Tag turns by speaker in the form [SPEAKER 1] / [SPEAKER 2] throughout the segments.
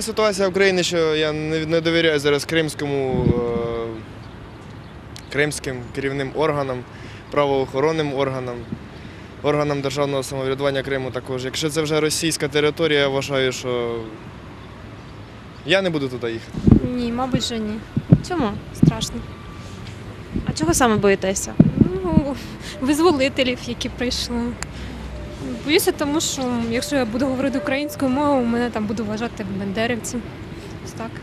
[SPEAKER 1] така ситуація в Україні, що я не довіряю зараз кримським керівним органам, правоохоронним органам, органам державного самоврядування Криму також. Якщо це вже російська територія, я вважаю, що я не буду туди їхати.
[SPEAKER 2] Ні, мабуть, що ні.
[SPEAKER 3] Чому?
[SPEAKER 2] Страшно.
[SPEAKER 3] А чого саме боїтеся?
[SPEAKER 2] Ну, визволителів, які прийшли. Боюся, тому що якщо я буду говорити українською мовою, мене там буду вважати бандерівцем. Ось так.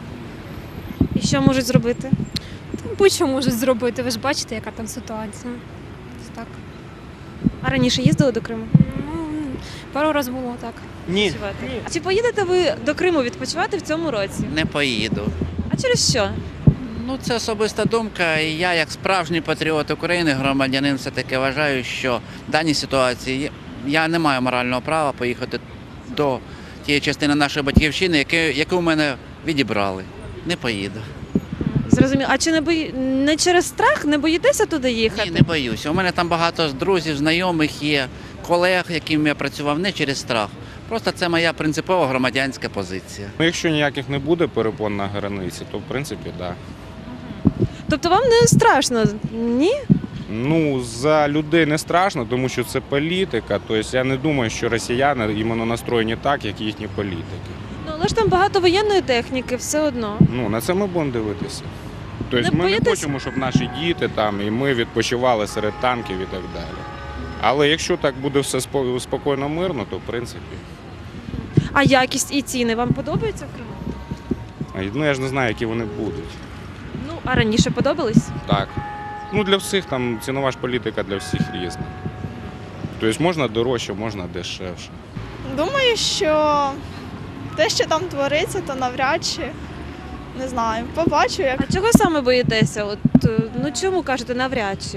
[SPEAKER 3] І що можуть зробити?
[SPEAKER 2] Там будь-що можуть зробити, ви ж бачите, яка там ситуація. Ось так.
[SPEAKER 3] А раніше їздили до Криму?
[SPEAKER 2] Ну, пару разів було так.
[SPEAKER 4] Ні.
[SPEAKER 3] А чи поїдете ви до Криму відпочивати в цьому році?
[SPEAKER 5] Не поїду.
[SPEAKER 3] А через що?
[SPEAKER 5] Ну, це особиста думка. І я, як справжній патріот України, громадянин, все-таки вважаю, що в даній ситуації я не маю морального права поїхати до тієї частини нашої батьківщини, яку в мене відібрали. Не поїду.
[SPEAKER 3] Зрозуміло. А чи не через страх не боїтеся туди їхати?
[SPEAKER 5] Ні, не боюся. У мене там багато друзів, знайомих є, колег, яким я працював, не через страх. Просто це моя принципова громадянська позиція.
[SPEAKER 4] Ну, якщо ніяких не буде перепон на границі, то в принципі так. Да.
[SPEAKER 3] Тобто вам не страшно? Ні?
[SPEAKER 4] Ну, за людей не страшно, тому що це політика. Тобто я не думаю, що росіяни іменно настроєні так, як їхні політики.
[SPEAKER 3] Ну, але ж там багато воєнної техніки, все одно.
[SPEAKER 4] Ну, на це ми будемо дивитися. Тобто
[SPEAKER 3] Не
[SPEAKER 4] ми не
[SPEAKER 3] боїтесь?
[SPEAKER 4] хочемо, щоб наші діти там і ми відпочивали серед танків і так далі. Але якщо так буде все спокійно, мирно, то в принципі.
[SPEAKER 3] А якість і ціни вам подобаються в Криму?
[SPEAKER 4] Ну, я ж не знаю, які вони будуть.
[SPEAKER 3] Ну, а раніше подобались?
[SPEAKER 4] Так. Ну, для всіх там цінова ж політика для всіх різна. Тобто можна дорожче, можна дешевше.
[SPEAKER 6] Думаю, що те, що там твориться, то навряд чи. Не знаю, побачу, як.
[SPEAKER 3] А чого саме боїтеся? Ну чому кажете навряд чи?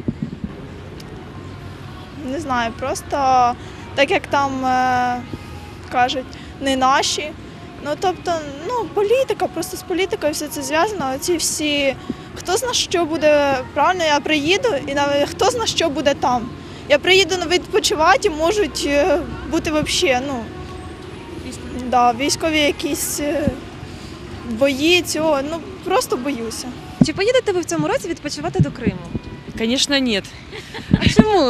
[SPEAKER 6] Не знаю, просто так як там кажуть, не наші. Ну тобто, політика, просто з політикою все це зв'язано. Оці всі, хто зна, що буде правильно, я приїду, і навіть хто зна, що буде там. Я приїду відпочивати, можуть бути взагалі, військові якісь бої цього, просто боюся.
[SPEAKER 3] Чи поїдете ви в цьому році відпочивати до Криму?
[SPEAKER 7] Конечно, нет.
[SPEAKER 3] А чому?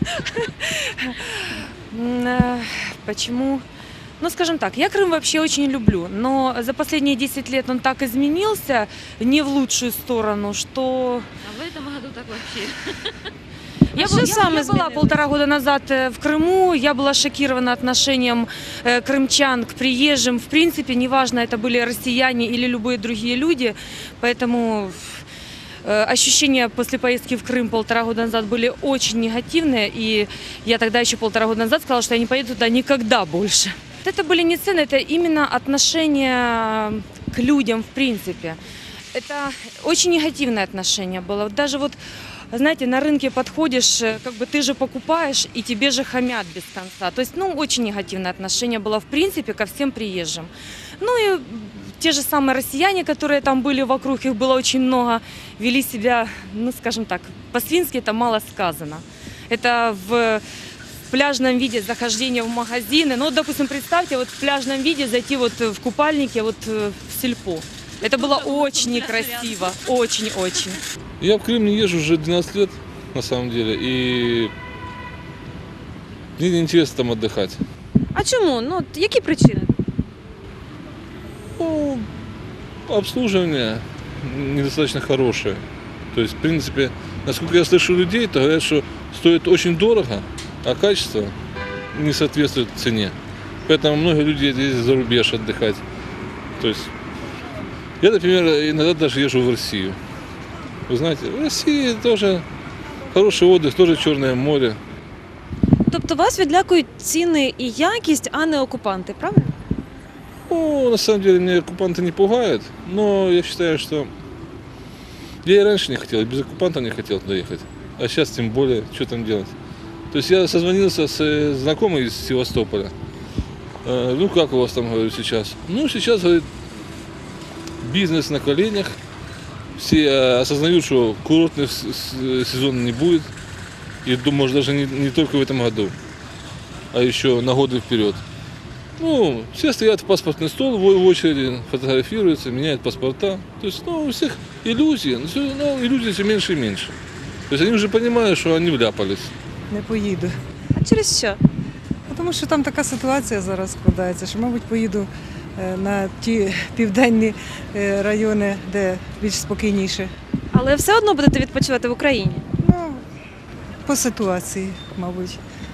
[SPEAKER 7] Почему? Ну, скажем так, я Крым вообще очень люблю, но за последние 10 лет он так изменился не в лучшую сторону, что...
[SPEAKER 8] А в этом году так вообще.
[SPEAKER 7] Я
[SPEAKER 3] что саме
[SPEAKER 7] была
[SPEAKER 3] изменилось?
[SPEAKER 7] 1,5 года назад в Крыму, я была шокирована отношением крымчан к приезжим. В принципе, неважно, это были россияне или любые другие люди, поэтому ощущения после поездки в Крым 1,5 года назад были очень негативные, и я тогда еще 1,5 года назад сказала, что я не поеду туда никогда больше. Это были не цены, это именно отношение к людям в принципе. Это очень негативное отношение было. Вот даже вот, знаете, на рынке подходишь, как бы ты же покупаешь, и тебе же хамят без конца. То есть, очень негативное отношение было в принципе ко всем приезжим. Ну и те же самые россияне, которые там были вокруг, их было очень много, вели себя, скажем так, по-свински это мало сказано. Это в пляжном виде захождение в магазины. Допустим, представьте, вот в пляжном виде зайти вот в купальнике вот в сельпо. Это было очень некрасиво, очень-очень.
[SPEAKER 9] Я в Крым не езжу уже 12 лет, на самом деле, и мне неинтересно там отдыхать.
[SPEAKER 3] А чому? Які причини?
[SPEAKER 9] Ну, обслуживание недостаточно хорошее. То есть, в принципе, насколько я слышу людей, то говорят, что стоит очень дорого, а качество не соответствует цене. Поэтому многие люди ездят за рубеж отдыхать. То есть, я, например, иногда даже езжу в Россию. Вы знаете, в России тоже хороший отдых, тоже Черное море.
[SPEAKER 3] Тобто вас відлякують ціни і якість, а не окупанти, правильно?
[SPEAKER 9] Ну, на самом деле, меня оккупанты не пугают, но я считаю, что я и раньше не хотел, и без оккупанта не хотел туда ехать. А сейчас тем более, что там делать. То есть я созвонился с знакомой из Севастополя. Ну, как у вас там, говорю, сейчас? Ну, сейчас, говорит, бизнес на коленях. Все осознают, что курортный сезон не будет. И, может, даже не только в этом году, а еще на годы вперед. Ну, все стоят в паспортный стол в очереди, фотографируются, меняют паспорта. То есть, ну, у всех иллюзии, но иллюзий все меньше и меньше. То есть они уже понимают, что они вляпались.
[SPEAKER 8] Не поїду.
[SPEAKER 3] А через що?
[SPEAKER 8] Тому що там така ситуація зараз складається, що, мабуть, поїду на ті південні райони, де більш спокійніше.
[SPEAKER 3] Але все одно будете відпочивати в Україні.
[SPEAKER 8] Ну, по ситуації, мабуть.